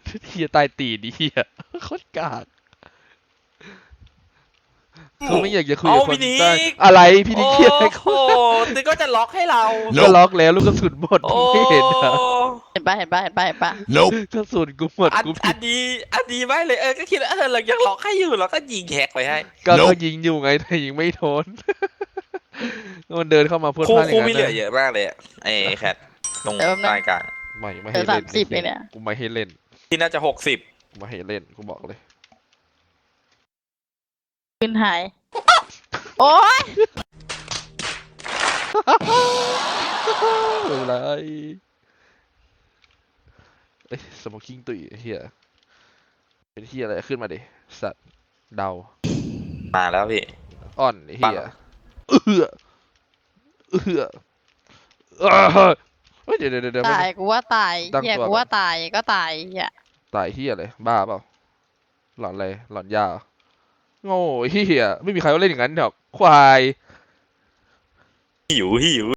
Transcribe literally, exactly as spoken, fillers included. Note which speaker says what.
Speaker 1: เฮียตายตีดีเฮียโคตรกากเขาไม่อยากจะคุย
Speaker 2: เอา
Speaker 1: กับคน
Speaker 2: พี่นิ
Speaker 1: ใต้
Speaker 2: ก
Speaker 1: อะไรพี่นิ
Speaker 2: โอ้
Speaker 1: กเครียดอะไร
Speaker 2: โหนึกก็จะล็อกให้เรา
Speaker 1: ก็ล็อกแล้วลูกกระสุนหมด
Speaker 2: โอ้
Speaker 1: ไม่เห็นเหรอ
Speaker 3: เห็นปะเห็นปะเห็นปะเห็นปะ
Speaker 4: Nope.
Speaker 1: กระสุนกูหมด
Speaker 2: อัน
Speaker 1: กู
Speaker 2: อั
Speaker 1: ผิด
Speaker 2: นนี้อันนี้ไม่เลยเออก็คิดว่าเออเรายังล็อกให้อยู่เราก็ยิงแฮกไปให้
Speaker 1: ก็
Speaker 4: Nope
Speaker 1: ก็ยิงอยู่ไงแต่ยิงไม่โดน มันเดินเข้ามาพูด
Speaker 2: คู่
Speaker 1: พลาดอ
Speaker 2: คู่
Speaker 1: ย่าง
Speaker 2: มี
Speaker 1: นั้น
Speaker 2: เหลือเย
Speaker 1: นะ
Speaker 2: อะมากเลยอะไอ้แคทตรง
Speaker 3: เดี๋ยวแป๊บนึง
Speaker 2: ใต้กลาง
Speaker 1: ไม่ไม่
Speaker 3: เหลื
Speaker 1: ให้
Speaker 3: อ
Speaker 1: เล่น
Speaker 3: สามสิบเองเนี่ย
Speaker 1: กูไม่ให้เล่น
Speaker 2: ที่น่าจะหกสิบ
Speaker 1: กูไม่ให้เล่นกูบอกเลย
Speaker 3: ปืนหาย โอ๊ย
Speaker 1: อะไรเอ้ยสโมกิ้งตุยเฮียเป็นเฮียอะไรขึ้นมาดิสัตว์เดา
Speaker 2: มาแล้วพี่
Speaker 1: อ่อนไอ้เฮี
Speaker 2: ปั
Speaker 1: ย
Speaker 2: ง
Speaker 1: เอือเอือเอ้อเฮ้ยเดี๋ยวเดี๋ยวเดี๋ยว
Speaker 3: ตาย
Speaker 1: ไม่
Speaker 3: กูว่าตาย
Speaker 1: ตั้ง
Speaker 3: เฮีย
Speaker 1: ตัว
Speaker 3: กู
Speaker 1: ก่อน
Speaker 3: ว่าตายก็ตายเฮีย
Speaker 1: ตายเฮียเลยบ้าเปล่าหลอนอะไรหลอนยาเหรอโง่เฮียไม่มีใครว่าเล่นอย่างนั้นหรอกควาย
Speaker 2: หิวหิว